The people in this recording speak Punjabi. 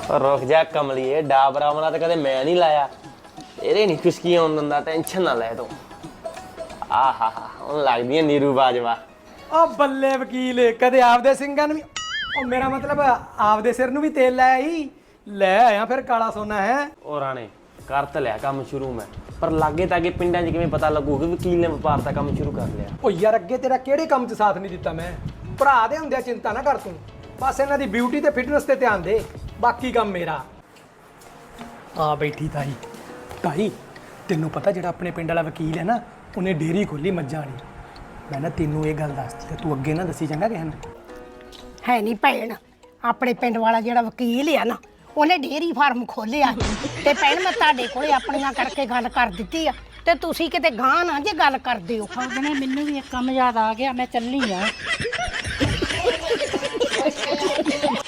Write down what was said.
रुक जा कमलिए डाबरा वाला तो कदे मैं नहीं लाया तेरे नहीं खुशकी आउन दिंदा टेंशन ना ले तू आहा हुन लगदी है नीरू बाजवा ओ बल्ले वकील कदे आपदे ਸਿੰਘਾਂ ਨੂੰ ओ मेरा मतलब आपदे सिर ਨੂੰ ਵੀ ਤੇਲ ਲੈ ਆਈ ਲੈ ਆਇਆ ਫਿਰ ਕਾਲਾ ਸੋਨਾ ਹੈ ओ राणे कर तो लिया काम शुरू मैं पर लागे तागे पिंडां 'ਚ किवें पता लगू कि वकील ने व्यापार दा काम शुरू कर लिया ਓ ਯਾਰ ਅੱਗੇ ਤੇਰਾ ਕਿਹੜੇ ਕੰਮ 'ਚ ਸਾਥ ਨਹੀਂ ਦਿੱਤਾ ਮੈਂ ਭਰਾ ਦੇ ਹੁੰਦਿਆਂ ਚਿੰਤਾ ਨਾ ਕਰ ਤੂੰ ਬਸ ਇਹਨਾਂ ਦੀ ਬਿਊਟੀ ਤੇ ਫਿਟਨੈਸ ਤੇ ਧਿਆਨ ਦੇ ਬਾਕੀ ਕੰਮ ਮੇਰਾ ਆ ਬੈਠੀ ਤਾਈ ਤਾਈ ਤੈਨੂੰ ਪਤਾ ਜਿਹੜਾ ਆਪਣੇ ਪਿੰਡ ਵਾਲਾ ਵਕੀਲ ਹੈ ਨਾ ਉਹਨੇ ਡੇਰੀ ਖੋਲੀ ਮੱਝਾਂ ਵਾਲੀ ਮੈਂ ਨਾ ਤੈਨੂੰ ਇਹ ਗੱਲ ਦੱਸਦੀ ਤੇ ਤੂੰ ਅੱਗੇ ਨਾ ਦੱਸੀ ਚੰਗਾ ਕਿਸੇ ਨੂੰ ਹੈ ਨਹੀਂ ਭੈਣ ਆਪਣੇ ਪਿੰਡ ਵਾਲਾ ਜਿਹੜਾ ਵਕੀਲ ਆ ਨਾ ਉਹਨੇ ਡੇਅਰੀ ਫਾਰਮ ਖੋਲਿਆ ਤੇ ਭੈਣ ਮੈਂ ਤੁਹਾਡੇ ਕੋਲੇ ਆਪਣੀਆਂ ਕਰਕੇ ਗੱਲ ਕਰ ਦਿੱਤੀ ਆ ਤੇ ਤੁਸੀਂ ਕਿਤੇ ਗਾਂ ਨਾ ਜੇ ਗੱਲ ਕਰਦੇ ਹੋ ਉਹਨੇ ਮੈਨੂੰ ਵੀ ਇੱਕ ਕੰਮ ਯਾਦ ਆ ਗਿਆ ਮੈਂ ਚੱਲੀ ਆ